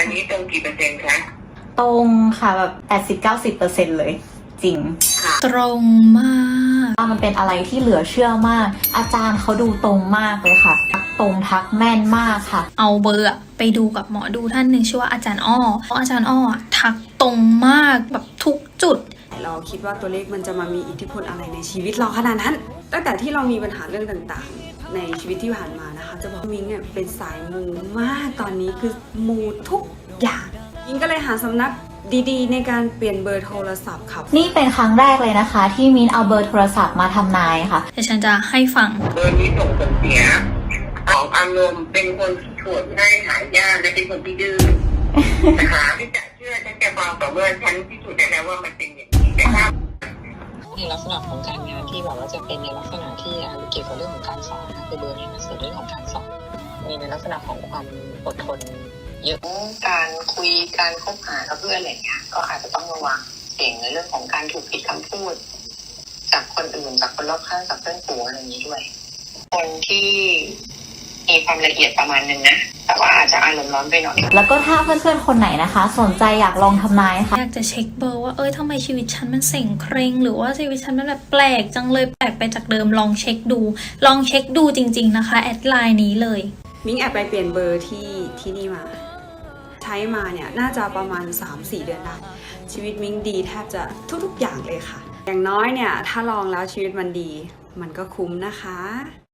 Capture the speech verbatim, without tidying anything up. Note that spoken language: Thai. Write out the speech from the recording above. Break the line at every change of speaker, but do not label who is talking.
นนี้ตรงกี่เปอร์เซ็นต์คะ
ตรงค่ะแบบแปดสิบเก้าสิบเปอร์เซ็นต์เลยจริง
ตรงมาก
มันเป็นอะไรที่เหลือเชื่อมากอาจารย์เขาดูตรงมากเลยค่ะทักตรงทักแม่นมากค่ะ
เอาเบอร์ไปดูกับหมอดูท่านหนึ่งชื่อว่าอาจารย์อ้อเพราะอาจารย์อ้อทักตรงมากแบบทุกจุด
เราคิดว่าตัวเลขมันจะมามีอิทธิพลอะไรในชีวิตเราขนาดนั้นตั้งแต่ที่เรามีปัญหาเรื่องต่างๆในชีวิตที่ผ่านมานะคะจะบอกมิงเนี่ยเป็นสายมูมากตอนนี้คือมูทุกอย่างมิงก็เลยหาสำนักดีๆในการเปลี่ยนเบอร์โทรศัพท์ครับ
นี่เป็นครั้งแรกเลยนะคะที่มินเอาเบอร์โทรศัพท์มาทำนายค่ะ
เดี๋ยวฉันจะให้ฟัง
เบอร์นี้ส่งผลเสียของอารมณ์เป็นคนที่โกรธง่ายหายากและเป็นคนที่ดื้อนะคะที่จะเชื่อฉันจะฟังต่อเมื่อฉันพิสูจน์ได้แล้วว่ามันเป็นอย่างนี้แต่ถ้า
ในลักษณะของการงานที่แบบว่าจะเป็นในลักษณะที่เกี่ยวกับเรื่องของการสอนนะคือเบอร์นี้มันสื่อเรื่องของการสอนมีในลักษณะของความอดทนเยอะการคุยการคบหากับเพื่อนอะไรเงี้ยก็อาจจะต้องระวังเสี่ยงในเรื่องของการถูกผิดคำพูดจากคนอื่นจากคนรอบข้างจากเพื่อนฝูงอะไรอย่างนี้ด้วยคนที่มีความละเอียดประมาณนึงนะแต่ว่าอาจจะอารมณ์ร้อนไปหน่อย
แล้วก็ถ้าเพื่อนๆคนไหนนะคะสนใจอยากลองทำนายค่ะ
อยากจะเช็คเบอร์ว่าเอ้ยทำไมชีวิตฉันมันเส่งเคร่งหรือว่าชีวิตฉันมันแบบแปลกจังเลยแปลกไปจากเดิมลองเช็คดูลองเช็คดูจริงๆนะคะแอดไลน์นี้เลย
มิงแอบไปเปลี่ยนเบอร์ที่ที่นี่มาใช้มาเนี่ยน่าจะประมาณ สามสี่ เดือนได้ชีวิตมิงดีแทบจะทุกๆอย่างเลยค่ะอย่างน้อยเนี่ยถ้าลองแล้วชีวิตมันดีมันก็คุ้มนะคะ